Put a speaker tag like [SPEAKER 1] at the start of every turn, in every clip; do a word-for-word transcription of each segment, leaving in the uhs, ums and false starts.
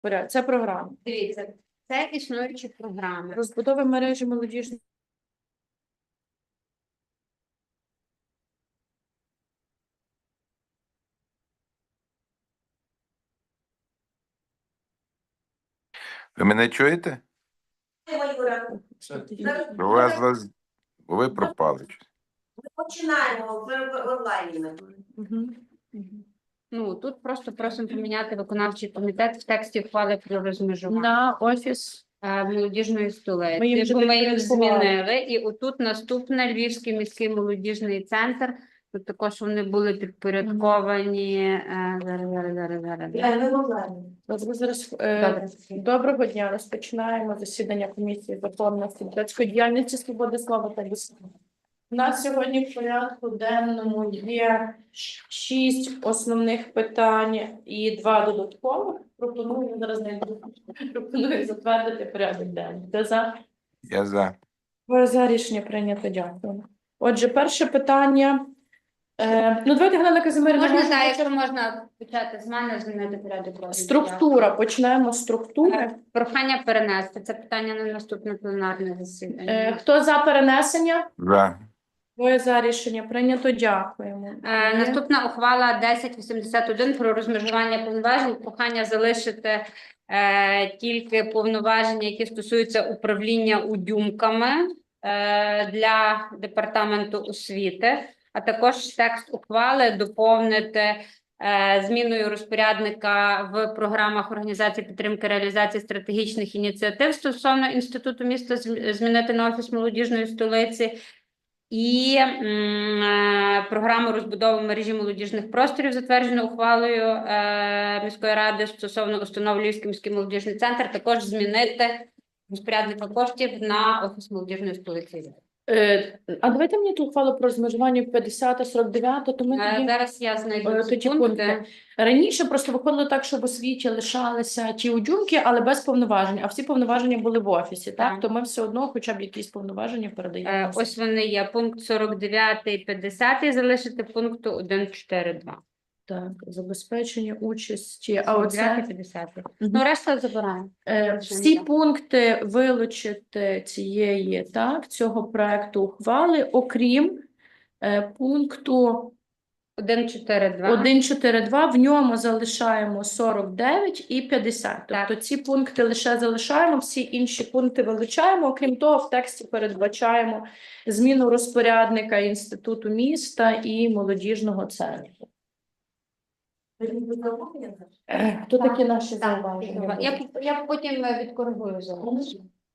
[SPEAKER 1] Порядок. Це програма.
[SPEAKER 2] Дивіться, це існуючі програми.
[SPEAKER 1] Розбудова мережі молодіжної.
[SPEAKER 3] Ви мене чуєте? У вас вас- ви пропали.
[SPEAKER 4] Ми починаємо в, в, в онлайні.
[SPEAKER 1] Мгм.
[SPEAKER 2] Ну, тут просто просимо поміняти виконавчий комітет в тексті ухвали про розмежування
[SPEAKER 1] На офіс.
[SPEAKER 2] е, молодіжної
[SPEAKER 1] Ми
[SPEAKER 2] столиці.
[SPEAKER 1] їм вже
[SPEAKER 2] Бо ми їх
[SPEAKER 1] підпорядкували.
[SPEAKER 2] змінили. І отут наступне Львівський міський молодіжний центр. Тут також вони були підпорядковані. е, Зараз, зараз, зараз, зараз.
[SPEAKER 4] Я не в онлайні.
[SPEAKER 1] Добре, зараз, е,
[SPEAKER 2] Добре.
[SPEAKER 1] Доброго дня. Розпочинаємо засідання комісії Верховної депутатської діяльності, свободи слова та дисципліни. У нас сьогодні в порядку денному є шість основних питань і два додаткових. Пропоную зараз знайду. Пропоную затвердити порядок денний. Хто за?
[SPEAKER 3] Я за.
[SPEAKER 1] Ви за рішення прийнято. Дякую. Отже, перше питання. Е, ну, давайте, Галина Казимирівна,
[SPEAKER 2] Можна,
[SPEAKER 1] можемо
[SPEAKER 2] так,
[SPEAKER 1] почати?
[SPEAKER 2] якщо можна почати з мене, змінити порядок розгляду.
[SPEAKER 1] Структура. Почнемо з структури.
[SPEAKER 2] Е, Прохання перенести це питання на наступне пленарне засідання.
[SPEAKER 1] Е, Хто за перенесення?
[SPEAKER 3] За.
[SPEAKER 1] Двоє за рішення прийнято. Дякуємо.
[SPEAKER 2] Е, Наступна ухвала десять вісімдесят один про розмежування повноважень. Прохання залишити е, тільки повноваження, які стосуються управління удюмками е, для департаменту освіти, а також текст ухвали доповнити е, зміною розпорядника в програмах організації підтримки реалізації стратегічних ініціатив стосовно Інституту міста зм- змінити на офіс молодіжної столиці. І м, е, програму розбудови мережі молодіжних просторів, затверджено ухвалою е, міської ради стосовно установ Львівський міський молодіжний центр, також змінити розпорядника коштів на офіс молодіжної столиці.
[SPEAKER 1] Е, а давайте мені ту ухвалу про розмежування п'ятдесят сорок дев'ять, то ми
[SPEAKER 2] Е,
[SPEAKER 1] тоді,
[SPEAKER 2] Зараз я знайду
[SPEAKER 1] е,
[SPEAKER 2] ці
[SPEAKER 1] тоді
[SPEAKER 2] пункти.
[SPEAKER 1] пункти. Раніше просто виходило так, що в освіті лишалися ті удюмки, але без повноважень, а всі повноваження були в офісі, так?
[SPEAKER 2] Так.
[SPEAKER 1] То ми все одно хоча б якісь повноваження передаємо.
[SPEAKER 2] Е, Ось вони є. Пункт сорок дев'ять, п'ятдесят залишити пункту один чотири два.
[SPEAKER 1] Так, забезпечення участі. А оце
[SPEAKER 2] п'ятдесят.
[SPEAKER 1] Мгм.
[SPEAKER 2] Ну, решта забираємо.
[SPEAKER 1] е, всі пункти вилучити цієї, так, цього проекту ухвали, окрім е, пункту
[SPEAKER 2] один чотири два.
[SPEAKER 1] один чотири два, в ньому залишаємо сорок дев'ять і п'ятдесят.
[SPEAKER 2] Так.
[SPEAKER 1] Тобто ці пункти лише залишаємо, всі інші пункти вилучаємо. Окрім того, в тексті передбачаємо зміну розпорядника Інституту міста і молодіжного центру. Е, Хто такі наші зауваження?
[SPEAKER 2] Я, я потім е, відкоригую зараз.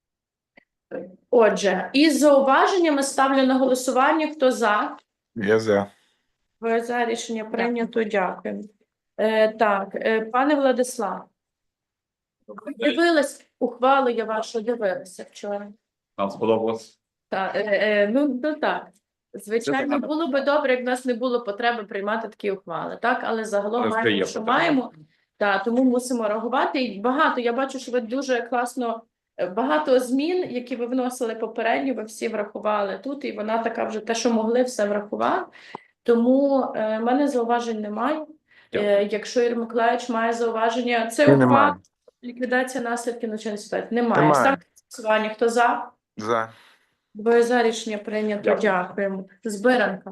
[SPEAKER 1] Отже, із зауваженнями ставлю на голосування. Хто за?
[SPEAKER 3] Я за.
[SPEAKER 1] Ви за рішення прийнято. Дякую. Е, так, е, пане Владислав, дивилась ухвалу, я вашу дивилася вчора.
[SPEAKER 5] Нам сподобалось.
[SPEAKER 1] Так, е, е, ну, ну так. Звичайно,
[SPEAKER 5] Це
[SPEAKER 1] було би добре, як в нас не було потреби приймати такі ухвали, так? Але загалом
[SPEAKER 5] Але
[SPEAKER 1] маємо,
[SPEAKER 5] є
[SPEAKER 1] що
[SPEAKER 5] потреба.
[SPEAKER 1] маємо. Так, тому мусимо реагувати. І багато, я бачу, що ви дуже класно, е, багато змін, які ви вносили попередньо, ви всі врахували тут, і вона така вже те, що могли, все врахувала. Тому е, в мене зауважень немає. Е, якщо Ігор Миколаївич має зауваження, це
[SPEAKER 3] Я не
[SPEAKER 1] ухвала,
[SPEAKER 3] маю.
[SPEAKER 1] ліквідація наслідків надзвичайної ситуації. Немає.
[SPEAKER 3] Немає.
[SPEAKER 1] Ставте на голосування. Хто за?
[SPEAKER 3] За.
[SPEAKER 1] Двоє за рішення прийнято.
[SPEAKER 5] Дякую.
[SPEAKER 1] Дякуємо. Збиранка.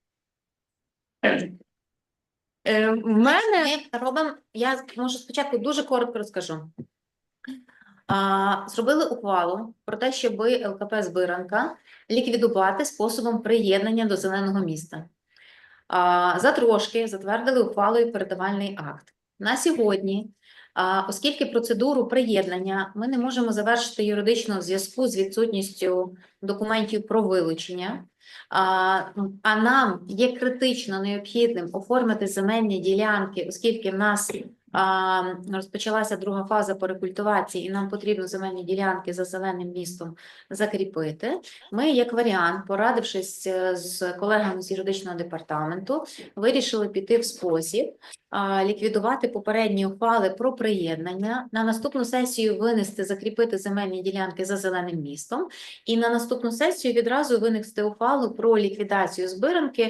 [SPEAKER 1] Е, в мене
[SPEAKER 6] Ми робимо, я можу спочатку дуже коротко розкажу. А, зробили ухвалу про те, щоб ЛКП «Збиранка» ліквідувати способом приєднання до зеленого міста. А, затрошки затвердили ухвалою передавальний акт. На сьогодні, а, оскільки процедуру приєднання ми не можемо завершити юридично в зв'язку з відсутністю документів про вилучення, а, а нам є критично необхідним оформити земельні ділянки, оскільки в нас а, розпочалася друга фаза по рекультивації, і нам потрібно земельні ділянки за зеленим містом закріпити. Ми, як варіант, порадившись е, з колегами з юридичного департаменту, вирішили піти в спосіб а, ліквідувати попередні ухвали про приєднання, на наступну сесію винести, закріпити земельні ділянки за зеленим містом, і на наступну сесію відразу винести ухвалу про ліквідацію збиранки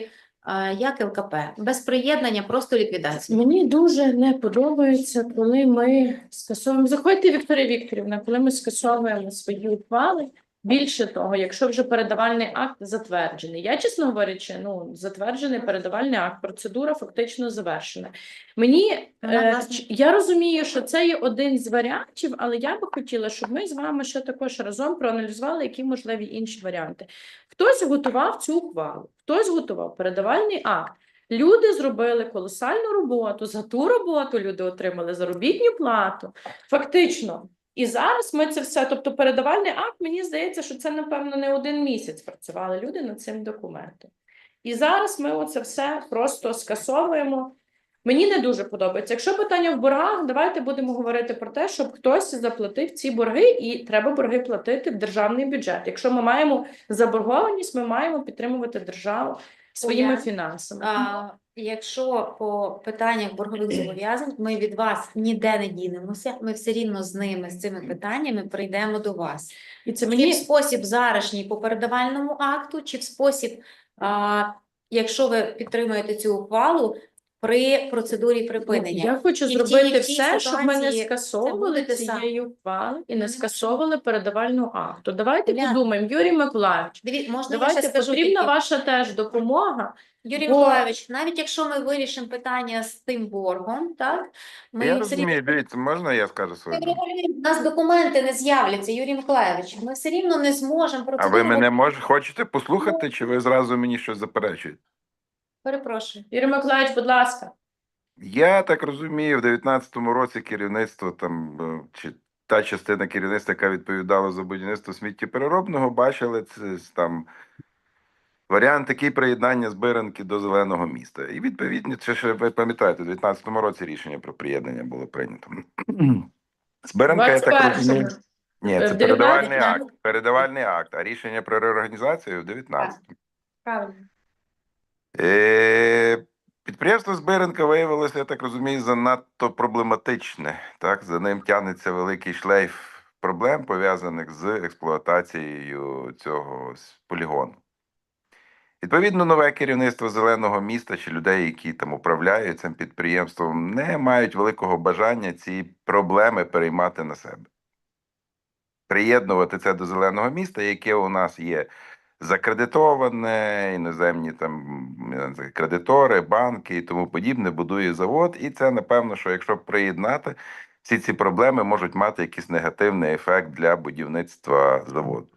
[SPEAKER 6] е, як ЛКП, без приєднання, просто ліквідація.
[SPEAKER 1] Мені дуже не подобається, коли ми скасовуємо. Заходьте, Вікторія Вікторівна, коли ми скасовуємо свої ухвали. Більше того, якщо вже передавальний акт затверджений. Я, чесно говорячи, ну, затверджений передавальний акт, процедура фактично завершена. Мені,
[SPEAKER 6] Вона,
[SPEAKER 1] е,
[SPEAKER 6] власне-
[SPEAKER 1] ч- я розумію, що це є один з варіантів, але я би хотіла, щоб ми з вами ще також разом проаналізували, які можливі інші варіанти. Хтось готував цю ухвалу, хтось готував передавальний акт. Люди зробили колосальну роботу, за ту роботу люди отримали заробітну плату. Фактично. І зараз ми це все, тобто передавальний акт, мені здається, що це, напевно, не один місяць працювали люди над цим документом. І зараз ми оце все просто скасовуємо. Мені не дуже подобається. Якщо питання в боргах, давайте будемо говорити про те, щоб хтось заплатив ці борги, і треба борги платити в державний бюджет. Якщо ми маємо заборгованість, ми маємо підтримувати державу своїми
[SPEAKER 6] Оля,
[SPEAKER 1] фінансами.
[SPEAKER 6] А, якщо по питаннях боргових зобов'язань ми від вас ніде не дінемося, ми все рівно з ними, з цими питаннями прийдемо до вас.
[SPEAKER 1] І це
[SPEAKER 6] Чи в
[SPEAKER 1] мені
[SPEAKER 6] спосіб зарашній по передавальному акту, чи в спосіб, а, якщо ви підтримуєте цю ухвалу, при процедурі припинення.
[SPEAKER 1] Я хочу
[SPEAKER 6] І в тій,
[SPEAKER 1] зробити
[SPEAKER 6] і в тій
[SPEAKER 1] все, щоб ми не
[SPEAKER 6] ситуації
[SPEAKER 1] скасовували
[SPEAKER 6] це буде те саме.
[SPEAKER 1] цієї ухвали і не
[SPEAKER 6] Мгм.
[SPEAKER 1] скасовували передавальну акту. Давайте
[SPEAKER 6] Уляна.
[SPEAKER 1] подумаємо, Юрій Миколаївич,
[SPEAKER 6] Диві, можна я
[SPEAKER 1] давайте
[SPEAKER 6] ще скажу
[SPEAKER 1] потрібна
[SPEAKER 6] тільки?
[SPEAKER 1] ваша теж допомога.
[SPEAKER 6] Юрій
[SPEAKER 1] бо-
[SPEAKER 6] Миколаївич, навіть якщо ми вирішимо питання з тим боргом, так, ми
[SPEAKER 3] Я
[SPEAKER 6] все рівно
[SPEAKER 3] розумію, дивіться, можна я скажу свою думку?
[SPEAKER 6] у нас документи не з'являться, Юрій Миколаївич. Ми все рівно не зможемо
[SPEAKER 3] А ви
[SPEAKER 6] процедуру.
[SPEAKER 3] мене може хочете послухати, чи ви зразу мені щось заперечуєте?
[SPEAKER 6] Перепрошую.
[SPEAKER 1] Юрій Миколаївич, будь ласка.
[SPEAKER 3] Я так розумію, в дев'ятнадцятому році керівництво там е, чи та частина керівництва, яка відповідала за будівництво сміттєпереробного, бачили це с- там варіант такий приєднання збиранки до зеленого міста. І відповідно, це ще ви пам'ятаєте, в дев'ятнадцятому році рішення про приєднання було прийнято. Збиранка, я так розумію.
[SPEAKER 1] двадцять
[SPEAKER 3] Ні,
[SPEAKER 1] Е,
[SPEAKER 3] це
[SPEAKER 1] в
[SPEAKER 3] передавальний
[SPEAKER 1] дев'ятнадцятому.
[SPEAKER 3] акт. Передавальний акт, а рішення про реорганізацію в дев'ятнадцятому.
[SPEAKER 6] Правильно.
[SPEAKER 3] Е, Підприємство Збиранка виявилося, я так розумію, занадто проблематичне. Так? За ним тягнеться великий шлейф проблем, пов'язаних з експлуатацією цього с- полігону. Відповідно, нове керівництво зеленого міста чи людей, які там управляють цим підприємством, не мають великого бажання ці проблеми переймати на себе. Приєднувати це до зеленого міста, яке у нас є закредитоване, іноземні там я не знаю, кредитори, банки і тому подібне, будує завод. І це, напевно, що якщо приєднати, всі ці проблеми можуть мати якийсь негативний ефект для будівництва заводу.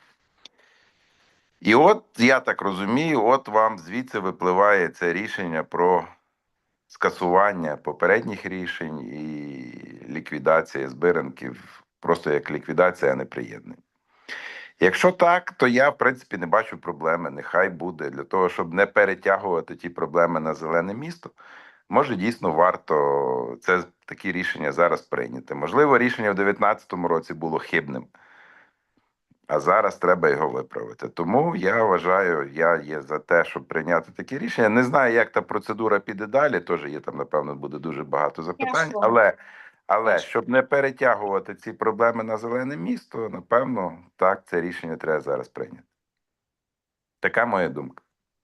[SPEAKER 3] І от, я так розумію, от вам звідси випливає це рішення про скасування попередніх рішень і ліквідація збиранків, просто як ліквідація, а не приєднання. Якщо так, то я, в принципі, не бачу проблеми. Нехай буде. Для того, щоб не перетягувати ті проблеми на зелене місто, може, дійсно варто це такі рішення зараз прийняти. Можливо, рішення в дев'ятнадцятому році було хибним, а зараз треба його виправити. Тому я вважаю, я є за те, щоб прийняти такі рішення. Не знаю, як та процедура піде далі, теж є там, напевно, буде дуже багато запитань,
[SPEAKER 6] Тяжко.
[SPEAKER 3] але... Але
[SPEAKER 6] Тяжко.
[SPEAKER 3] щоб не перетягувати ці проблеми на зелене місто, напевно, так, це рішення треба зараз прийняти. Така моя думка.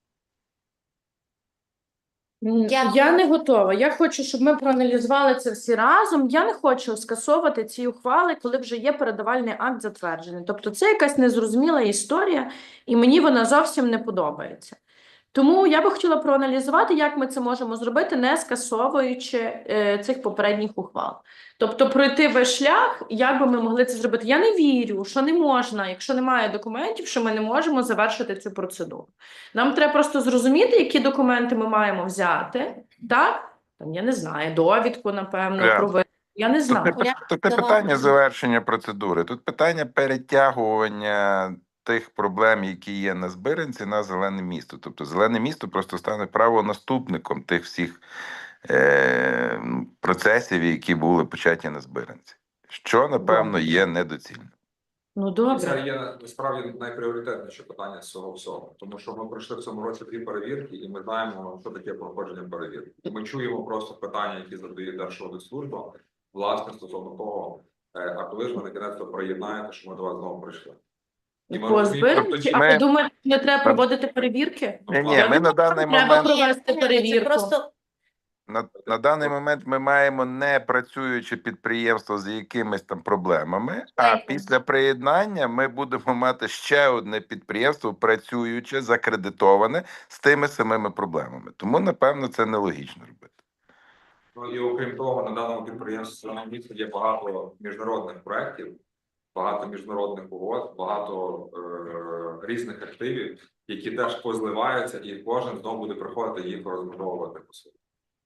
[SPEAKER 1] М,
[SPEAKER 6] Дякую.
[SPEAKER 1] Я не готова. Я хочу, щоб ми проаналізували це всі разом. Я не хочу скасовувати ці ухвали, коли вже є передавальний акт затверджений. Тобто це якась незрозуміла історія, і мені вона зовсім не подобається. Тому я би хотіла проаналізувати, як ми це можемо зробити, не скасовуючи е, цих попередніх ухвал. Тобто пройти весь шлях, як би ми могли це зробити. Я не вірю, що не можна, якщо немає документів, що ми не можемо завершити цю процедуру. Нам треба просто зрозуміти, які документи ми маємо взяти, так? Там, я не знаю, довідку, напевно,
[SPEAKER 3] Я-
[SPEAKER 1] про ви- Я не
[SPEAKER 3] Тут
[SPEAKER 1] знаю.
[SPEAKER 3] не, пи- тут не
[SPEAKER 6] Давай.
[SPEAKER 3] питання завершення процедури, тут питання перетягування тих проблем, які є на збиранці, на зелене місто. Тобто зелене місто просто стане правонаступником тих всіх е- процесів, які були початі на збиранці. Що, напевно, є недоцільно.
[SPEAKER 1] Ну,
[SPEAKER 5] Це
[SPEAKER 1] добре.
[SPEAKER 5] є насправді найпріоритетніше питання з цього всього, тому що ми пройшли в цьому році дві перевірки, і ми знаємо, що таке проходження перевірки. І ми чуємо просто питання, які задає Держаудитслужба, власне, стосовно того, е, а коли ж ви на кінець приєднаєте, що ми до вас знову прийшли. І ми
[SPEAKER 1] По
[SPEAKER 5] розуміємо,
[SPEAKER 1] збиранці, а
[SPEAKER 3] ми-
[SPEAKER 1] ви думаєте, не треба проводити перевірки?
[SPEAKER 3] Ні, ні,
[SPEAKER 1] Я
[SPEAKER 3] ми на
[SPEAKER 1] думаю,
[SPEAKER 3] даний
[SPEAKER 1] треба
[SPEAKER 3] момент
[SPEAKER 1] провести
[SPEAKER 6] Ні,
[SPEAKER 1] перевірку.
[SPEAKER 6] Це просто
[SPEAKER 3] На, на даний момент ми маємо не працююче підприємство з якимись там проблемами, а
[SPEAKER 6] Шлейфом.
[SPEAKER 3] після приєднання ми будемо мати ще одне підприємство працююче, закредитоване з тими самими проблемами. Тому, напевно, це нелогічно робити.
[SPEAKER 5] Ну і окрім того, на даному підприємстві на місці є багато міжнародних проєктів, багато міжнародних угод, багато е- різних активів, які теж позливаються, і кожен знову буде приходити їх розбудовувати по суті.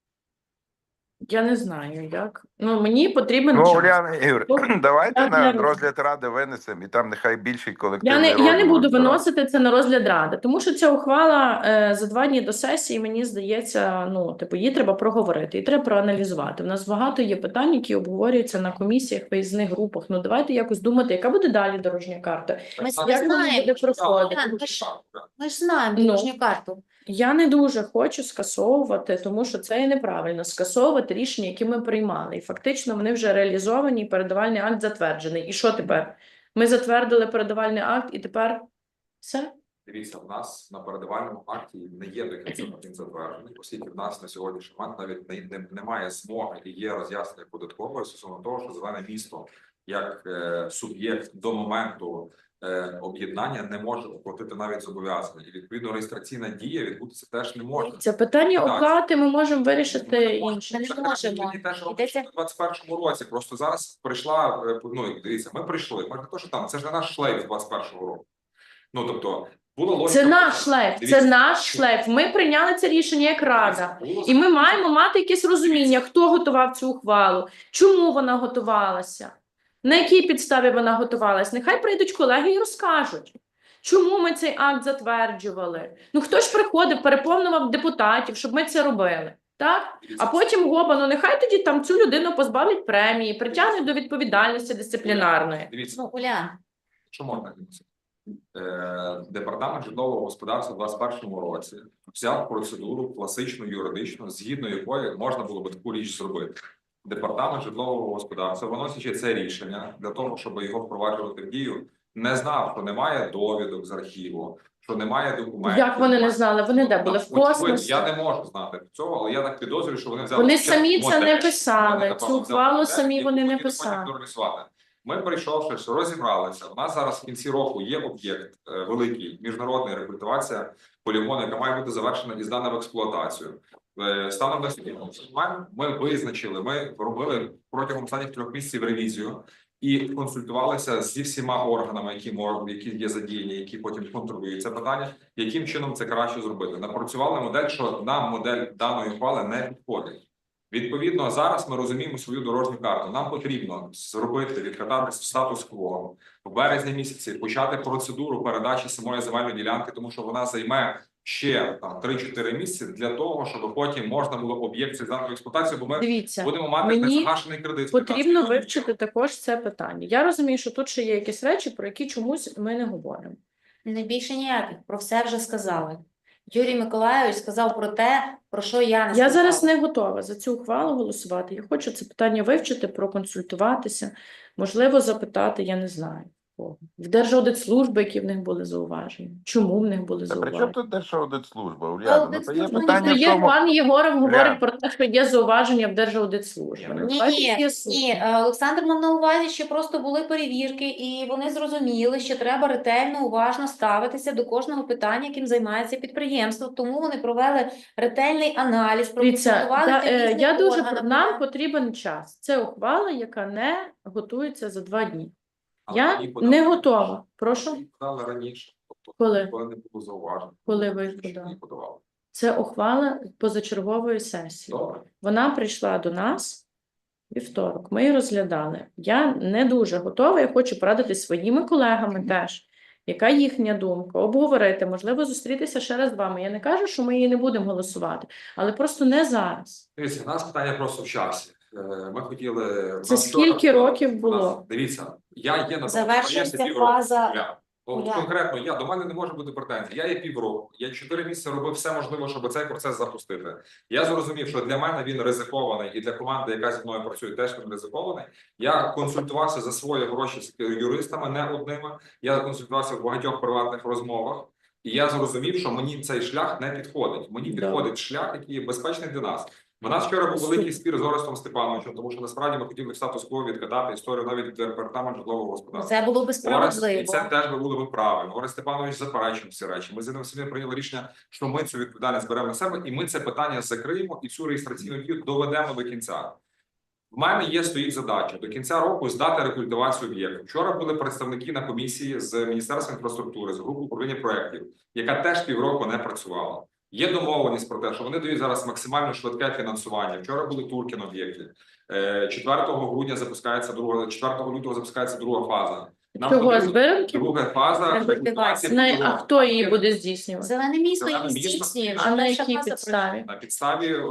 [SPEAKER 1] Я не знаю, як. Ну, мені потрібен
[SPEAKER 3] Ну,
[SPEAKER 1] час.
[SPEAKER 3] Уляна Ігор,
[SPEAKER 1] Ну,
[SPEAKER 3] давайте
[SPEAKER 1] я
[SPEAKER 3] на
[SPEAKER 1] не-
[SPEAKER 3] розгляд ради винесемо, і там нехай більший
[SPEAKER 1] Я
[SPEAKER 3] колективний
[SPEAKER 1] не, я не
[SPEAKER 3] розгляд
[SPEAKER 1] буду
[SPEAKER 3] збирає.
[SPEAKER 1] виносити це на розгляд ради, тому що ця ухвала е, за два дні до сесії, мені здається, ну, типу, її треба проговорити, і треба проаналізувати. У нас багато є питань, які обговорюються на комісіях, виїзних групах. Ну, давайте якось думати, яка буде далі дорожня карта.
[SPEAKER 6] ми
[SPEAKER 5] Так,
[SPEAKER 1] Як вона
[SPEAKER 6] знаємо.
[SPEAKER 1] буде проходити?
[SPEAKER 6] Так, ми ж- Ми ж знаємо
[SPEAKER 1] Ну.
[SPEAKER 6] дорожню карту.
[SPEAKER 1] Я не дуже хочу скасовувати, тому що це є неправильно, скасовувати рішення, які ми приймали. І фактично вони вже реалізовані, і передавальний акт затверджений. І що тепер? Ми затвердили передавальний акт, і тепер все?
[SPEAKER 5] Дивіться, в нас на передавальному акті не є до кінця він затверджений, оскільки в нас на сьогоднішній момент навіть не, не, немає змоги і є роз'яснення податкової стосовно того, що зелене місто як е, суб'єкт до моменту е, об'єднання не може оплатити навіть зобов'язання. І відповідно реєстраційна дія відбутися теж не може.
[SPEAKER 1] Це питання
[SPEAKER 5] Так.
[SPEAKER 1] оплати ми можемо вирішити інше.
[SPEAKER 6] Ми не
[SPEAKER 5] Це
[SPEAKER 6] можемо.
[SPEAKER 5] тоді теж
[SPEAKER 6] Йдеться-
[SPEAKER 5] робиться в двадцять першому році. Просто зараз прийшла, е, ну дивіться, ми прийшли. Ми не то, що там, це ж не наш шлейф двадцять першого року. Ну тобто була логіка.
[SPEAKER 1] Це наш шлейф, це
[SPEAKER 5] Дивіться,
[SPEAKER 1] наш шлейф. Ми прийняли це рішення як рада.
[SPEAKER 5] було
[SPEAKER 1] І ми маємо мати якесь розуміння, хто готував цю ухвалу, чому вона готувалася, на якій підставі вона готувалася. Нехай прийдуть колеги і розкажуть, чому ми цей акт затверджували. Ну хто ж приходив, переповнював депутатів, щоб ми це робили. Так? А потім гоба, ну нехай тоді там цю людину позбавлять премії, притягнуть до відповідальності дисциплінарної.
[SPEAKER 5] Дивіться,
[SPEAKER 6] Ну, Улян,
[SPEAKER 5] що можна дивіться. Е, Департамент житлового господарства в двадцять першому році взяв процедуру класичну юридичну, згідно якої можна було би таку річ зробити. Департамент житлового господарства, виносячи це рішення для того, щоб його впроваджувати в дію, не знав, що немає довідок з архіву, що немає документів.
[SPEAKER 1] Як вони не знали? Вони де були? В
[SPEAKER 5] Очевидно,
[SPEAKER 1] космосі?
[SPEAKER 5] Я не можу знати цього, але я так підозрюю, що вони взяли.
[SPEAKER 1] Вони
[SPEAKER 5] ще
[SPEAKER 1] самі це
[SPEAKER 5] модель.
[SPEAKER 1] не писали.
[SPEAKER 5] Вони,
[SPEAKER 1] Цю
[SPEAKER 5] напевно,
[SPEAKER 1] ухвалу
[SPEAKER 5] взяли
[SPEAKER 1] самі
[SPEAKER 5] модель,
[SPEAKER 1] вони
[SPEAKER 5] яку
[SPEAKER 1] не
[SPEAKER 5] хотіли
[SPEAKER 1] писали.
[SPEAKER 5] потім реалізувати. Ми, прийшовши, розібралися. У нас зараз в кінці року є об'єкт е, великий, міжнародний рекультивація полігону, яка має бути завершена і здана в експлуатацію. Е, станом на сьогодні ми визначили, ми робили протягом останніх трьох місяців ревізію і консультувалися зі всіма органами, які можуть, які є задіяні, які потім контролюють це питання, яким чином це краще зробити. Напрацювали модель, що нам модель даної ухвали не підходить. Відповідно, зараз ми розуміємо свою дорожню карту. Нам потрібно зробити, відкатати статус-кво в березні місяці, почати процедуру передачі самої земельної ділянки, тому що вона займе ще там три-чотири місяці для того, щоб потім можна було об'єкт здати в експлуатацію, бо ми
[SPEAKER 1] Дивіться,
[SPEAKER 5] будемо мати
[SPEAKER 1] мені
[SPEAKER 5] незагашений кредит.
[SPEAKER 1] потрібно вивчити також це питання. Я розумію, що тут ще є якісь речі, про які чомусь ми не говоримо.
[SPEAKER 6] не більше ніяких, про все вже сказали. Юрій Миколайович сказав про те, про що я не сказала.
[SPEAKER 1] Я зараз не готова за цю ухвалу голосувати. Я хочу це питання вивчити, проконсультуватися, можливо, запитати, я не знаю. кого. В Держаудитслужби, які в них були зауваження. Чому в них були
[SPEAKER 3] Та при чому
[SPEAKER 1] зауваження?
[SPEAKER 3] тут Держаудитслужба, Уляна? Ну, то є
[SPEAKER 6] Аудитслужба
[SPEAKER 3] питання
[SPEAKER 1] Ну,
[SPEAKER 3] в
[SPEAKER 1] є
[SPEAKER 3] тому,
[SPEAKER 1] пан Єгоров говорить
[SPEAKER 3] Уляна.
[SPEAKER 1] про те, що є зауваження в Держаудитслужбі. Ну,
[SPEAKER 6] Ні,
[SPEAKER 1] давайте
[SPEAKER 6] ні,
[SPEAKER 1] з'ясуємо.
[SPEAKER 6] ні, е, Олександр мав на увазі, що просто були перевірки, і вони зрозуміли, що треба ретельно, уважно ставитися до кожного питання, яким займається підприємство. Тому вони провели ретельний аналіз,
[SPEAKER 1] Дивіться,
[SPEAKER 6] проконсультувалися
[SPEAKER 1] та, е,
[SPEAKER 6] різних
[SPEAKER 1] я дуже
[SPEAKER 6] органів.
[SPEAKER 1] нам потрібен час. Це ухвала, яка не готується за два дні.
[SPEAKER 5] Але
[SPEAKER 1] Я
[SPEAKER 5] її подали
[SPEAKER 1] не
[SPEAKER 5] раніше.
[SPEAKER 1] готова. Прошу,
[SPEAKER 5] Її подали раніше. Тобто,
[SPEAKER 1] Коли?
[SPEAKER 5] коли не було зауважень.
[SPEAKER 1] Коли ви їх
[SPEAKER 5] Раніше
[SPEAKER 1] подали?
[SPEAKER 5] її подавали.
[SPEAKER 1] це ухвала позачергової сесії.
[SPEAKER 5] Добре.
[SPEAKER 1] Вона прийшла до нас вівторок. Ми її розглядали. Я не дуже готова. Я хочу порадитись своїми колегами теж. Яка їхня думка? Обговорити, можливо, зустрітися ще раз з вами. Я не кажу, що ми її не будемо голосувати, але просто не зараз.
[SPEAKER 5] Дивіться, у нас питання просто в часі. Е, Ми хотіли...
[SPEAKER 1] Це
[SPEAKER 5] нас вчора-
[SPEAKER 1] скільки років
[SPEAKER 5] у
[SPEAKER 1] було?
[SPEAKER 5] нас- Дивіться, я є на тому
[SPEAKER 6] Завершується
[SPEAKER 5] підприємстві півроку.
[SPEAKER 6] фаза-
[SPEAKER 5] Уляна, От
[SPEAKER 6] Я-
[SPEAKER 5] конкретно я до мене не може бути претензій. Я є півроку, я чотири місяці робив все можливе, щоб цей процес запустити. Я зрозумів, що для мене він ризикований, і для команди, яка зі мною працює, теж він ризикований. Я консультувався за свої гроші з юристами, не одними. Я консультувався в багатьох приватних розмовах, і я зрозумів, що мені цей шлях не підходить. Мені
[SPEAKER 1] Добре.
[SPEAKER 5] підходить шлях, який є безпечний для нас. У нас вчора був великий спір з Орестом Степановичем, тому що насправді ми хотіли в статус-кво відкатати історію навіть департамент житлового господарства.
[SPEAKER 6] Це було би
[SPEAKER 5] Орест, і
[SPEAKER 6] справедливо.
[SPEAKER 5] це теж би було б правильно. Орест Степанович заперечив всі речі. Ми з ним самі прийняли рішення, що ми цю відповідальність беремо на себе, і ми це питання закриємо і цю реєстраційну дію доведемо до кінця. В мене є стоїть задача до кінця року здати рекультивацію об'єкту. Вчора були представники на комісії з Міністерства інфраструктури, з групи управління проєктів, яка теж півроку не працювала. Є домовленість про те, що вони дають зараз максимально швидке фінансування. Вчора були турки на об'єкті. Е, четвертого грудня запускається друга, четвертого лютого запускається друга фаза. Нам
[SPEAKER 1] Чого,
[SPEAKER 5] потрібно-
[SPEAKER 1] збиранки?
[SPEAKER 5] Друга фаза
[SPEAKER 6] Рекультивація.
[SPEAKER 1] Не, а хто її буде здійснювати?
[SPEAKER 6] Зелене місто
[SPEAKER 5] Зелене
[SPEAKER 6] її
[SPEAKER 5] місто.
[SPEAKER 6] здійснює.
[SPEAKER 1] А на
[SPEAKER 6] Перша
[SPEAKER 1] якій
[SPEAKER 6] фаза
[SPEAKER 1] підставі?
[SPEAKER 5] на підставі е,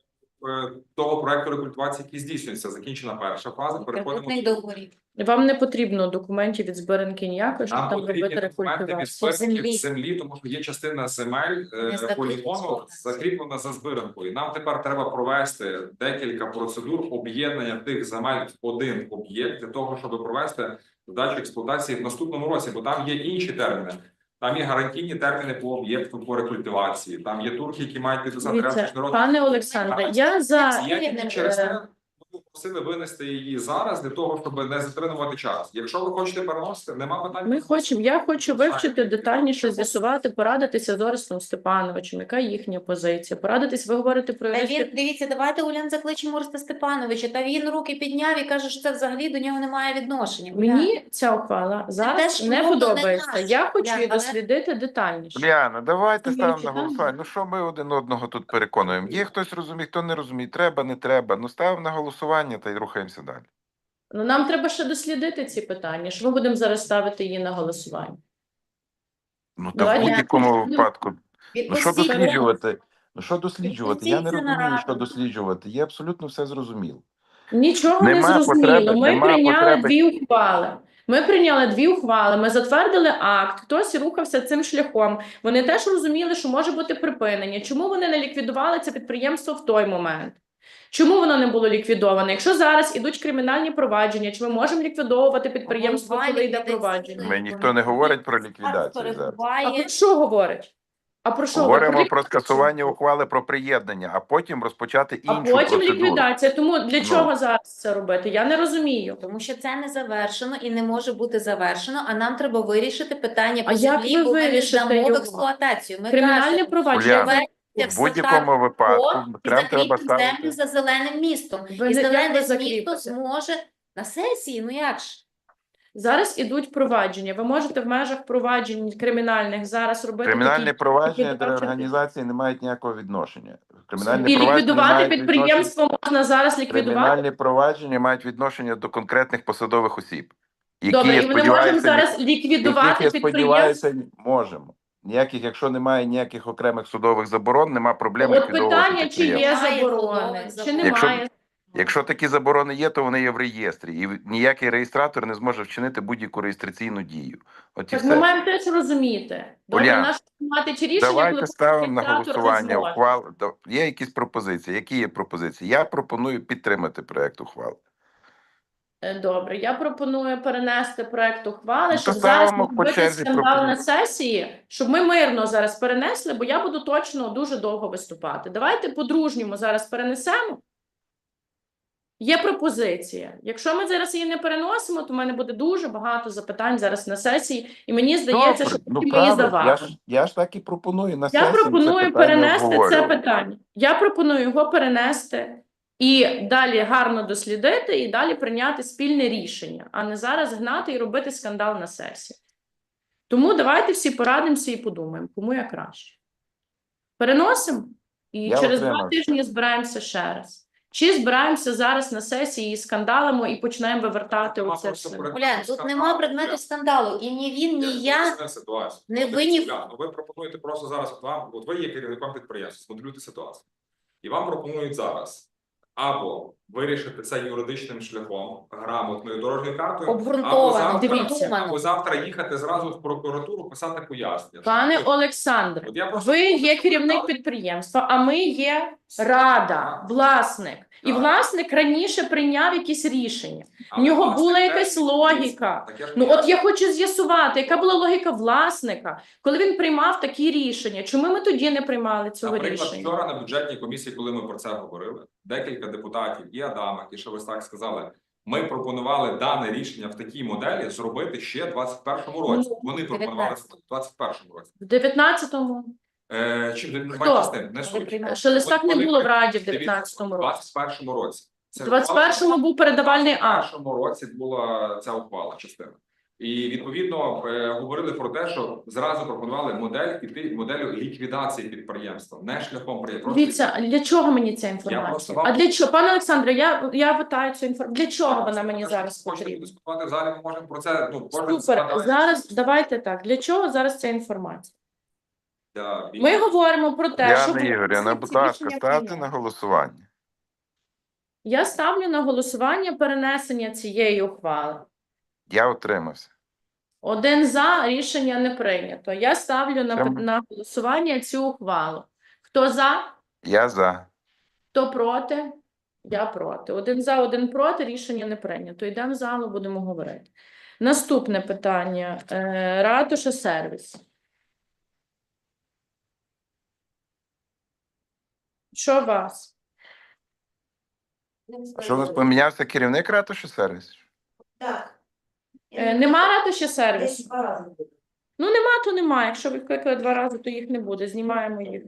[SPEAKER 5] е, того проекту рекультивації, який здійснюється. Закінчена перша фаза. Переходимо
[SPEAKER 6] Кредитних договорів.
[SPEAKER 1] Вам не потрібно документів від збиранки ніякої, щоб
[SPEAKER 5] Нам
[SPEAKER 1] там
[SPEAKER 5] потрібні
[SPEAKER 1] робити
[SPEAKER 5] документи від
[SPEAKER 1] рекультивацію.
[SPEAKER 5] збиранків
[SPEAKER 6] Землі.
[SPEAKER 5] землі, тому що є частина земель е,
[SPEAKER 6] Не
[SPEAKER 5] полігону
[SPEAKER 6] закріплена.
[SPEAKER 5] закріплена за збиранкою. Нам тепер треба провести декілька процедур об'єднання тих земель в один об'єкт для того, щоб провести здачу експлуатації в наступному році, бо там є інші терміни. Там є гарантійні терміни по об'єкту по рекультивації. Там є турки, які мають підписати
[SPEAKER 1] Дивіться,
[SPEAKER 5] ряд міжнародних.
[SPEAKER 1] пане Олександре, я за
[SPEAKER 5] Я тільки через
[SPEAKER 1] е,
[SPEAKER 5] те ми просили винести її зараз для того, щоб не затримувати час. Якщо ви хочете переносити, нема питань.
[SPEAKER 1] ми хочемо. Я хочу вивчити детальніше, з'ясувати, порадитися з Орестом Степановичем, яка їхня позиція. Порадитись, ви говорите про
[SPEAKER 6] Та він,
[SPEAKER 1] юристів.
[SPEAKER 6] дивіться, давайте Улян закличемо Ореста Степановича. Та він руки підняв і каже, що це взагалі до нього немає відношення. Улян.
[SPEAKER 1] Мені ця ухвала зараз
[SPEAKER 6] теж
[SPEAKER 1] не
[SPEAKER 6] умовно не
[SPEAKER 1] подобається.
[SPEAKER 6] наша.
[SPEAKER 1] Я хочу
[SPEAKER 6] Улян,
[SPEAKER 1] її
[SPEAKER 6] але-
[SPEAKER 1] дослідити детальніше.
[SPEAKER 3] Уляна, давайте
[SPEAKER 1] Ми
[SPEAKER 3] ставимо на
[SPEAKER 1] читаємо.
[SPEAKER 3] голосування. Ну що ми один одного тут переконуємо? Є хтось розуміє, хто не розуміє, треба, не треба. Ну ставимо на голосування та й рухаємося далі.
[SPEAKER 1] Ну, нам треба ще дослідити ці питання, що ми будемо зараз ставити її на голосування.
[SPEAKER 3] Ну та в
[SPEAKER 1] Давайте
[SPEAKER 3] будь-якому
[SPEAKER 1] я-
[SPEAKER 3] випадку. Ну що
[SPEAKER 6] Відпустіть
[SPEAKER 3] досліджувати? Ну що досліджувати? Я не
[SPEAKER 6] Відпустіть це
[SPEAKER 3] розумію, що
[SPEAKER 6] нараду.
[SPEAKER 3] досліджувати. Є абсолютно все зрозуміло.
[SPEAKER 1] Нічого
[SPEAKER 3] Нема
[SPEAKER 1] не зрозуміло.
[SPEAKER 3] потреби-
[SPEAKER 1] Ми
[SPEAKER 3] нема
[SPEAKER 1] прийняли
[SPEAKER 3] потреби.
[SPEAKER 1] дві ухвали. Ми прийняли дві ухвали, ми затвердили акт, хтось рухався цим шляхом. Вони теж розуміли, що може бути припинення. Чому вони не ліквідували це підприємство в той момент? Чому воно не було ліквідоване? Якщо зараз ідуть кримінальні провадження, чи ми можемо ліквідовувати підприємство,
[SPEAKER 6] Обидва
[SPEAKER 1] коли йде
[SPEAKER 6] ліквідаційні.
[SPEAKER 1] провадження?
[SPEAKER 3] Ми ніхто не говорить про ліквідацію зараз.
[SPEAKER 1] А
[SPEAKER 6] перебуває.
[SPEAKER 1] про що говорить? А про що
[SPEAKER 3] Говоримо
[SPEAKER 1] говорить?
[SPEAKER 3] про скасування ухвали про приєднання, а потім розпочати
[SPEAKER 1] А
[SPEAKER 3] іншу
[SPEAKER 1] потім
[SPEAKER 3] процедуру.
[SPEAKER 1] ліквідація. Тому для
[SPEAKER 3] Ну.
[SPEAKER 1] чого зараз це робити? Я не розумію.
[SPEAKER 6] Тому що це не завершено і не може бути завершено, а нам треба вирішити питання по
[SPEAKER 1] А як
[SPEAKER 6] землі,
[SPEAKER 1] ви
[SPEAKER 6] бо ми не
[SPEAKER 1] вирішите
[SPEAKER 6] здамо в
[SPEAKER 1] його?
[SPEAKER 6] експлуатацію. Ми
[SPEAKER 1] Кримінальне
[SPEAKER 6] кажемо,
[SPEAKER 1] провадження.
[SPEAKER 3] Уляна,
[SPEAKER 6] це
[SPEAKER 3] В
[SPEAKER 6] все
[SPEAKER 3] будь-якому випадку
[SPEAKER 6] і
[SPEAKER 3] треба, треба
[SPEAKER 6] закріпимо землю
[SPEAKER 3] ставити.
[SPEAKER 6] за зеленим містом.
[SPEAKER 1] Ви
[SPEAKER 6] І
[SPEAKER 1] не- як ви
[SPEAKER 6] зелене місто
[SPEAKER 1] закріпите?
[SPEAKER 6] зможе на сесії, ну як ж?
[SPEAKER 1] Зараз ідуть провадження. Ви можете в межах проваджень кримінальних зараз робити
[SPEAKER 3] Кримінальні
[SPEAKER 1] такі
[SPEAKER 3] провадження до
[SPEAKER 1] ліквідації.
[SPEAKER 3] організації не мають ніякого відношення. Кримінальні
[SPEAKER 1] і
[SPEAKER 3] провадження
[SPEAKER 1] ліквідувати
[SPEAKER 3] мають
[SPEAKER 1] підприємство можна зараз
[SPEAKER 3] відношення-
[SPEAKER 1] ліквідувати.
[SPEAKER 3] Кримінальні провадження мають відношення до конкретних посадових осіб, які,
[SPEAKER 1] Добре,
[SPEAKER 3] я
[SPEAKER 1] і ми не можемо
[SPEAKER 3] сподіваюся,
[SPEAKER 1] зараз
[SPEAKER 3] яких
[SPEAKER 1] ліквідувати
[SPEAKER 3] я
[SPEAKER 1] підприємство.
[SPEAKER 3] сподіваюся, можемо. Ніяких, якщо немає ніяких окремих судових заборон, нема проблем
[SPEAKER 1] От
[SPEAKER 3] ліквідовувати
[SPEAKER 1] питання, чи
[SPEAKER 3] підприємство.
[SPEAKER 1] є
[SPEAKER 6] Немає
[SPEAKER 1] заборони,
[SPEAKER 6] судових
[SPEAKER 1] чи
[SPEAKER 6] заборон.
[SPEAKER 1] немає.
[SPEAKER 3] Якщо такі заборони є, то вони є в реєстрі, і ніякий реєстратор не зможе вчинити будь-яку реєстраційну дію. От і
[SPEAKER 1] Так ми
[SPEAKER 3] все.
[SPEAKER 1] маємо теж розуміти. Добре,
[SPEAKER 3] Уляна,
[SPEAKER 1] наш приймати чи рішення,
[SPEAKER 3] Давайте
[SPEAKER 1] коли
[SPEAKER 3] ставимо на
[SPEAKER 1] реєстратор не
[SPEAKER 3] голосування
[SPEAKER 1] зможе.
[SPEAKER 3] ухвал. До- Є якісь пропозиції? Які є пропозиції? Я пропоную підтримати проект ухвали.
[SPEAKER 1] Е, Добре, я пропоную перенести проект ухвали,
[SPEAKER 3] Ну,
[SPEAKER 1] щоб
[SPEAKER 3] то
[SPEAKER 1] зараз
[SPEAKER 3] ставимо
[SPEAKER 1] не
[SPEAKER 3] по
[SPEAKER 1] робити
[SPEAKER 3] черзі
[SPEAKER 1] скандал на
[SPEAKER 3] пропозиції.
[SPEAKER 1] сесії, щоб ми мирно зараз перенесли, бо я буду точно дуже довго виступати. Давайте по-дружньому зараз перенесемо. Є пропозиція. Якщо ми зараз її не переносимо, то в мене буде дуже багато запитань зараз на сесії, і мені здається, що
[SPEAKER 3] ну,
[SPEAKER 1] потім ми її
[SPEAKER 3] правильно. Я ж,
[SPEAKER 1] завалимо.
[SPEAKER 3] я ж так і пропоную на
[SPEAKER 1] Я
[SPEAKER 3] сесії це
[SPEAKER 1] пропоную
[SPEAKER 3] питання
[SPEAKER 1] перенести це
[SPEAKER 3] обговорювати.
[SPEAKER 1] питання. Я пропоную його перенести і далі гарно дослідити, і далі прийняти спільне рішення, а не зараз гнати і робити скандал на сесії. Тому давайте всі порадимося і подумаємо, кому я краще. Переносимо і
[SPEAKER 3] Я
[SPEAKER 1] через два
[SPEAKER 3] утримався.
[SPEAKER 1] тижні збираємося ще раз. Чи збираємося зараз на сесії і скандалимо і почнемо вивертати
[SPEAKER 5] Нема
[SPEAKER 1] оце
[SPEAKER 5] просто
[SPEAKER 1] все?
[SPEAKER 5] предмету
[SPEAKER 6] Улян, тут
[SPEAKER 5] скандалу.
[SPEAKER 6] нема предмету скандалу. І ні він, ні я.
[SPEAKER 5] поясню ситуацію.
[SPEAKER 6] не
[SPEAKER 5] От,
[SPEAKER 6] винні в-
[SPEAKER 5] Уляна, ну, ви пропонуєте просто зараз от вам, от ви є керівником підприємства, змоделюйте ситуацію. І вам пропонують зараз або вирішити це юридичним шляхом, грамотною дорожньою картою, або
[SPEAKER 1] Обґрунтовано,
[SPEAKER 5] завтра,
[SPEAKER 1] дивіться.
[SPEAKER 5] або завтра їхати зразу в прокуратуру, писати пояснення.
[SPEAKER 1] Пане
[SPEAKER 5] Що-
[SPEAKER 1] Олександре,
[SPEAKER 5] От я просто
[SPEAKER 1] ви
[SPEAKER 5] хочу,
[SPEAKER 1] є
[SPEAKER 5] щоб
[SPEAKER 1] керівник
[SPEAKER 5] ви
[SPEAKER 1] підприємства, а ми є рада,
[SPEAKER 5] Так.
[SPEAKER 1] власник. І
[SPEAKER 5] Так.
[SPEAKER 1] власник раніше прийняв якісь рішення. В
[SPEAKER 5] Але
[SPEAKER 1] нього
[SPEAKER 5] власник
[SPEAKER 1] була
[SPEAKER 5] теж
[SPEAKER 1] якась
[SPEAKER 5] є
[SPEAKER 1] логіка.
[SPEAKER 5] Так я ж
[SPEAKER 1] Ну от
[SPEAKER 5] пояснюю.
[SPEAKER 1] я хочу з'ясувати, яка була логіка власника, коли він приймав такі рішення. Чому ми тоді не приймали цього
[SPEAKER 5] Наприклад,
[SPEAKER 1] рішення?
[SPEAKER 5] вчора на бюджетній комісії, коли ми про це говорили, декілька депутатів, і Адамик, і Шелестак сказали, ми пропонували дане рішення в такій моделі зробити ще в двадцять першому році.
[SPEAKER 1] Ну,
[SPEAKER 5] Вони пропонували в двадцять першому році.
[SPEAKER 1] В дев'ятнадцятому
[SPEAKER 5] Е, чим не
[SPEAKER 1] Хто?
[SPEAKER 5] бачите з тим? Не суть.
[SPEAKER 1] Шелестак не
[SPEAKER 5] Вони
[SPEAKER 1] було в
[SPEAKER 5] при-
[SPEAKER 1] Раді в
[SPEAKER 5] Дивіться,
[SPEAKER 1] дев'ятнадцятому
[SPEAKER 5] в
[SPEAKER 1] році.
[SPEAKER 5] двадцять першому році. Це
[SPEAKER 1] В двадцять першому був передавальний
[SPEAKER 5] В
[SPEAKER 1] акт.
[SPEAKER 5] першому році була ця ухвала частина. І відповідно е, говорили про те, що зразу пропонували модель іти моделю ліквідації підприємства, не шляхом приємства.
[SPEAKER 1] Дивіться, для чого мені ця
[SPEAKER 5] Я просто
[SPEAKER 1] інформація?
[SPEAKER 5] вам-
[SPEAKER 1] А для чого, пане Олександре, я, я питаю цю інформацію. Для чого вона мені зараз
[SPEAKER 5] Хочете
[SPEAKER 1] потрібна?
[SPEAKER 5] дискутувати в залі, ми можемо про це, ну, кожен
[SPEAKER 1] Супер.
[SPEAKER 5] складає
[SPEAKER 1] Зараз давайте так. Для чого зараз ця інформація?
[SPEAKER 5] для
[SPEAKER 1] Ми
[SPEAKER 5] більшості.
[SPEAKER 1] говоримо про те, що
[SPEAKER 3] Яна Ігорівна, будь
[SPEAKER 1] ці
[SPEAKER 3] ласка,
[SPEAKER 1] рішення
[SPEAKER 3] ставте
[SPEAKER 1] прийняли.
[SPEAKER 3] на голосування.
[SPEAKER 1] Я ставлю на голосування перенесення цієї ухвали.
[SPEAKER 3] Я утримався.
[SPEAKER 1] Один за, рішення не прийнято. Я ставлю на,
[SPEAKER 3] Чому?
[SPEAKER 1] на голосування цю ухвалу. Хто за,
[SPEAKER 3] Я за.
[SPEAKER 1] хто проти? Я проти. Один за, один проти, рішення не прийнято. Йдемо в залу, будемо говорити. Наступне питання. Е, Ратуша сервіс. Що у вас?
[SPEAKER 3] А що у нас помінявся керівник ратуші сервісу?
[SPEAKER 4] Так.
[SPEAKER 1] Е, Нема ратуші сервісу?
[SPEAKER 4] Десь два рази було.
[SPEAKER 1] Ну, нема, то нема. Якщо викликали два рази, то їх не буде. Знімаємо їх.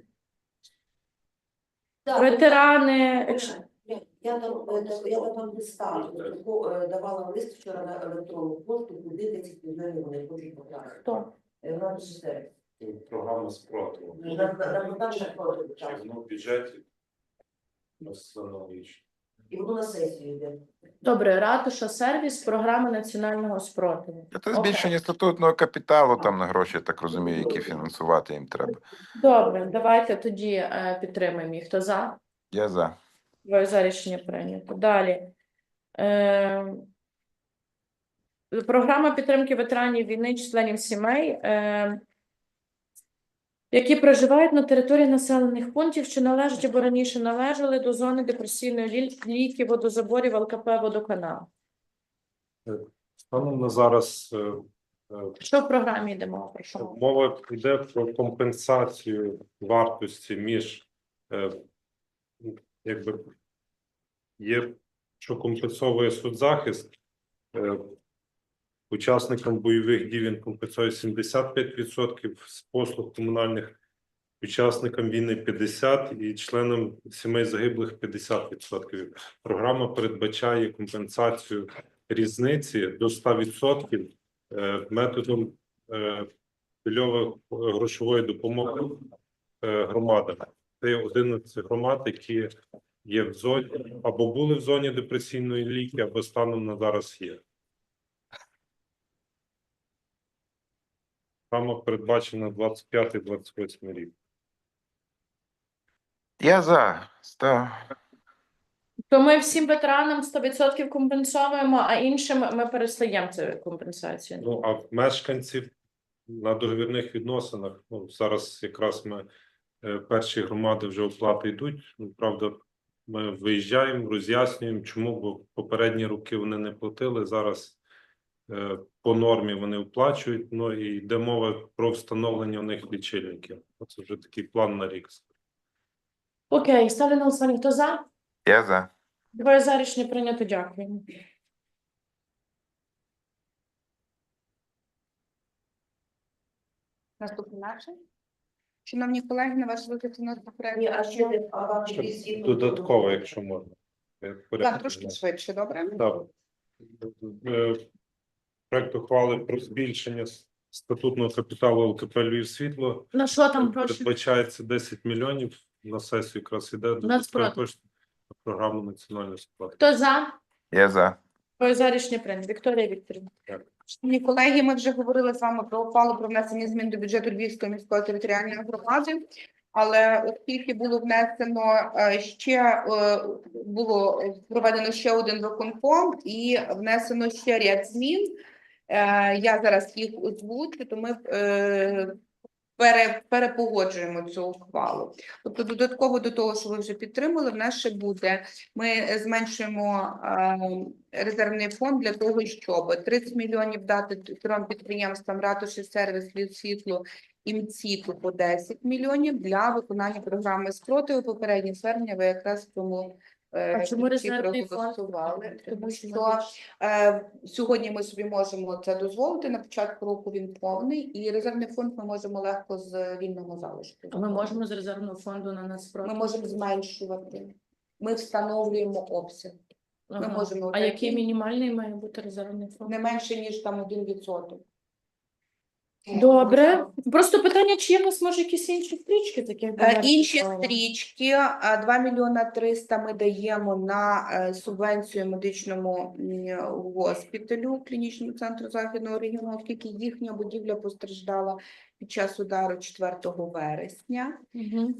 [SPEAKER 4] Так,
[SPEAKER 1] Ветерани.
[SPEAKER 4] Я
[SPEAKER 1] якщо-
[SPEAKER 4] я там е, я там листа таку, е, давала лист вчора на електронну пошту, куди десять мільйонів вони хочуть потрапити.
[SPEAKER 1] Хто?
[SPEAKER 4] Е, в нашій сфері.
[SPEAKER 7] Програма спротиву.
[SPEAKER 4] На на подальше проти
[SPEAKER 7] Чи воно в бюджеті аналогічно.
[SPEAKER 4] і воно на сесію йде.
[SPEAKER 1] Добре, ратуша сервіс, програма національного спротиву.
[SPEAKER 3] Це
[SPEAKER 1] Окей.
[SPEAKER 3] збільшення статутного капіталу там на гроші, я так розумію, які фінансувати їм треба.
[SPEAKER 1] Добре, давайте тоді е, підтримаємо їх. Хто за?
[SPEAKER 3] Я за.
[SPEAKER 1] Двоє за, рішення прийнято. Далі. Е, програма підтримки ветеранів війни, членів сімей, е, які проживають на території населених пунктів, що належать або раніше належали до зони депресійної лі- ліки, водозаборів, ЛКП, водоканал.
[SPEAKER 7] Станом на зараз е, е,
[SPEAKER 1] Що в програмі йде мова? Про що мова?
[SPEAKER 7] мова йде про компенсацію вартості між е, якби є, що компенсовує соцзахист. е, Учасникам бойових дій він компенсує сімдесят п'ять відсотків з послуг комунальних, учасникам війни п'ятдесят відсотків і членам сімей загиблих п'ятдесят відсотків. Програма передбачає компенсацію різниці до ста відсотків е, методом е, пільової грошової допомоги е, громадам. Це є одинадцять громад, які є в зоні або були в зоні депресійної ліки, або станом на зараз є. Програма передбачена двадцять п'ятий - двадцять восьмий рік.
[SPEAKER 3] Я за. Став.
[SPEAKER 1] То ми всім ветеранам сто відсотків компенсуємо, а іншим ми перестаємо цю компенсацію.
[SPEAKER 7] Ну, а в мешканців на договірних відносинах, ну, зараз якраз ми е, перші громади вже оплати йдуть. Ну, правда, ми виїжджаємо, роз'яснюємо, чому, бо попередні роки вони не платили, зараз е, по нормі вони оплачують, ну і йде мова про встановлення у них лічильників. Це вже такий план на рік.
[SPEAKER 1] Окей, ставлю на голосування. Хто за?
[SPEAKER 3] Я за.
[SPEAKER 1] Двоє за, рішення прийнято. Дякую.
[SPEAKER 8] Наступний наше. Шановні колеги, на ваш розгляд у нас проект.
[SPEAKER 4] Ні, а ще не- а вам
[SPEAKER 7] Ще
[SPEAKER 4] якісь є-
[SPEAKER 7] Додатково, якщо можна. Я
[SPEAKER 8] Так,
[SPEAKER 7] порядку
[SPEAKER 8] трошки
[SPEAKER 7] знаю.
[SPEAKER 8] швидше, добре?
[SPEAKER 7] Так. Е, Проект ухвали про збільшення с- статутного капіталу ЛКП «Львівсвітло».
[SPEAKER 1] На що там прошу?
[SPEAKER 7] Передбачається десять мільйонів. На сесію якраз іде додаткові
[SPEAKER 1] Нацпроти.
[SPEAKER 7] кошти на програму національної сплати.
[SPEAKER 1] Хто за?
[SPEAKER 3] Я за.
[SPEAKER 1] Двоє за, рішення прийнято. Вікторія Вікторівна.
[SPEAKER 8] Шановні колеги, ми вже говорили з вами про ухвалу про внесення змін до бюджету Львівської міської територіальної громади. Але оскільки було внесено е, ще е, було проведено ще один виконком і внесено ще ряд змін, е, я зараз їх озвучу, то ми е, пере, перепогоджуємо цю ухвалу. Тобто додатково до того, що ви вже підтримали, в нас ще буде, ми зменшуємо е, резервний фонд для того, щоб тридцять мільйонів дати трьом підприємствам ратуші, сервіс, «Лід світло» і МЦІТу по десять мільйонів для виконання програми спротиву. Попередні звернення ви якраз в тому е,
[SPEAKER 1] А чому
[SPEAKER 8] кінці
[SPEAKER 1] резервний фонд?
[SPEAKER 8] проголосували. Тому що е, сьогодні ми собі можемо це дозволити, на початку року він повний, і резервний фонд ми можемо легко з вільного залишку.
[SPEAKER 1] А ми можемо з резервного фонду на нас спроти?
[SPEAKER 8] Ми можемо зменшувати. Ми встановлюємо обсяг. Ми можемо
[SPEAKER 1] А
[SPEAKER 8] такий-
[SPEAKER 1] який мінімальний має бути резервний фонд?
[SPEAKER 8] Не менше, ніж там один відсоток.
[SPEAKER 1] Добре. Просто питання, чи є у нас може якісь інші стрічки таких
[SPEAKER 8] Е,
[SPEAKER 1] бюджетних
[SPEAKER 8] Інші
[SPEAKER 1] справ?
[SPEAKER 8] стрічки, е, два мільйона триста ми даємо на е, субвенцію медичному м, госпіталю, клінічному центру Західного регіону, оскільки їхня будівля постраждала під час удару четвертого вересня.
[SPEAKER 1] Мгм.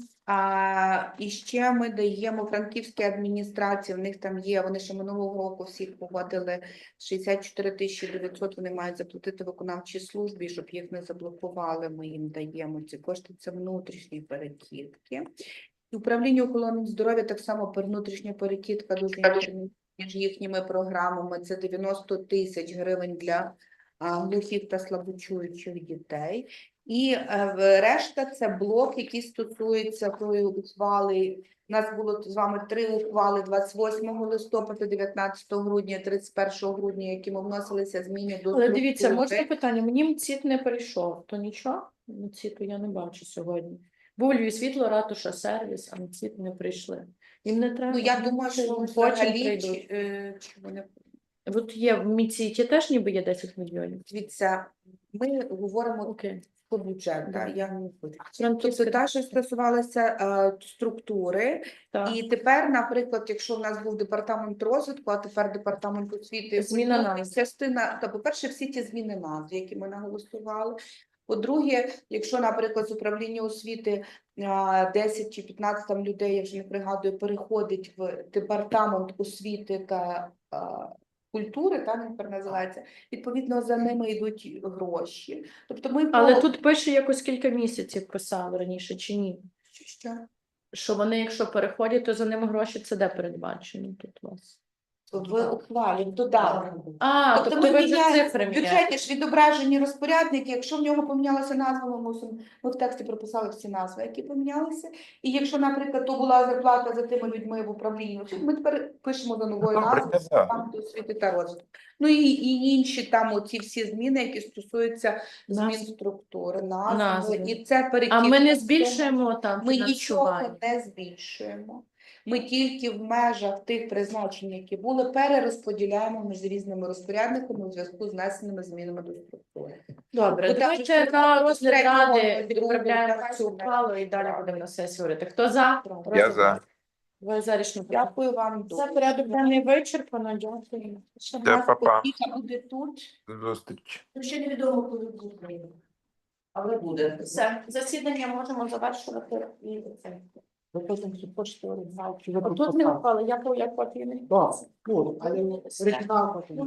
[SPEAKER 8] А, і ще ми даємо франківській адміністрації, в них там є, вони ще минулого року всіх погодили шістдесят чотири тисячі дев'ятсот, вони мають заплатити виконавчій службі, щоб їх не заблокували, ми їм даємо ці кошти, це внутрішні перекидки. І управління охорони здоров'я так само per внутрішня перекидка дуже інтересна між їхніми програмами, це дев'яносто тисяч гривень для а, глухих та слабочуючих дітей. І е, в- решта це блок, який стосується тої ухвали. У нас було з вами три ухвали двадцять восьмого листопада, дев'ятнадцятого грудня, тридцять першого грудня, якими вносилися зміни до
[SPEAKER 1] Але дивіться,
[SPEAKER 8] структури.
[SPEAKER 1] можна питання? Мені МЦІТ не прийшов, то нічого? МЦІТу я не бачу сьогодні. Був Львів світло, ратуша, сервіс, а МЦІТ не прийшли. Їм не треба.
[SPEAKER 8] Ну, я
[SPEAKER 1] вони
[SPEAKER 8] думаю, що
[SPEAKER 1] потім
[SPEAKER 8] взагалі,
[SPEAKER 1] прийдуть.
[SPEAKER 8] чи, е, чи вони
[SPEAKER 1] От є в МЦІТі теж ніби є десять мільйонів.
[SPEAKER 8] дивіться, ми говоримо
[SPEAKER 1] Окей.
[SPEAKER 8] по бюджету.
[SPEAKER 1] Да.
[SPEAKER 8] Я не буду.
[SPEAKER 1] Франківська
[SPEAKER 8] Тобто та, що стосувалася е, структури,
[SPEAKER 1] так.
[SPEAKER 8] і тепер, наприклад, якщо в нас був департамент розвитку, а тепер департамент освіти, і
[SPEAKER 1] Зміна
[SPEAKER 8] культури,
[SPEAKER 1] назв.
[SPEAKER 8] частина, та, по-перше, всі ті зміни назв, які ми наголосували. По-друге, якщо, наприклад, з управління освіти а, десять чи п'ятнадцять там людей, я вже не пригадую, переходить в департамент освіти та а, культури, там він тепер називається, відповідно, за ними йдуть гроші. Тобто ми
[SPEAKER 1] Але
[SPEAKER 8] по-
[SPEAKER 1] тут пише якось кілька місяців писали раніше чи ні?
[SPEAKER 8] Що?
[SPEAKER 1] Що вони, якщо переходять, то за ними гроші це де передбачено тут у вас?
[SPEAKER 8] В ухвалі, в додатку.
[SPEAKER 1] А,
[SPEAKER 8] Тобто,
[SPEAKER 1] тобто
[SPEAKER 8] ми
[SPEAKER 1] ви вже
[SPEAKER 8] міняємо
[SPEAKER 1] цифри
[SPEAKER 8] в
[SPEAKER 1] міняєте.
[SPEAKER 8] бюджеті ж відображені розпорядники. Якщо в нього помінялася назва, ми мусимо ми в тексті прописали всі назви, які помінялися. І якщо, наприклад, то була зарплата за тими людьми в управлінні, ми тепер пишемо до нової
[SPEAKER 3] Добре,
[SPEAKER 8] назви
[SPEAKER 3] да.
[SPEAKER 8] там до освіти та розвитку. Ну і, і інші там оці всі зміни, які стосуються змін
[SPEAKER 1] Назв.
[SPEAKER 8] структури, назви.
[SPEAKER 1] Назви.
[SPEAKER 8] І це перекидка.
[SPEAKER 1] А ми не збільшуємо там
[SPEAKER 8] Ми нічого
[SPEAKER 1] фінансування?
[SPEAKER 8] не збільшуємо. Ми тільки в межах тих призначень, які були, перерозподіляємо між різними розпорядниками у зв'язку з внесеними змінами до структури.
[SPEAKER 1] Добре,
[SPEAKER 8] Ви
[SPEAKER 1] давайте
[SPEAKER 8] так,
[SPEAKER 1] на
[SPEAKER 8] що
[SPEAKER 1] розгляд
[SPEAKER 8] третього,
[SPEAKER 1] ради
[SPEAKER 8] другого,
[SPEAKER 1] відправляємо
[SPEAKER 8] давайте
[SPEAKER 1] цю
[SPEAKER 8] на-
[SPEAKER 1] ухвалу і далі будемо на сесії говорити. Хто за?
[SPEAKER 3] Я за.
[SPEAKER 1] Ви за рішення питання.
[SPEAKER 8] Дякую вам
[SPEAKER 1] Це
[SPEAKER 8] дуже.
[SPEAKER 1] порядок денний вичерпано. Дякую.
[SPEAKER 8] Ще в
[SPEAKER 3] Все,
[SPEAKER 8] нас
[SPEAKER 3] па-па.
[SPEAKER 8] опіка буде тут.
[SPEAKER 3] До зустрічі.
[SPEAKER 4] Ну, ще невідомо, коли буде. Але буде.
[SPEAKER 1] Все, засідання можемо завершувати. І це.
[SPEAKER 4] Ви потім хочете оригінал, чи ви
[SPEAKER 1] Отут не ухвали, я по я копію не.
[SPEAKER 4] Так, ну, але оригінал потім.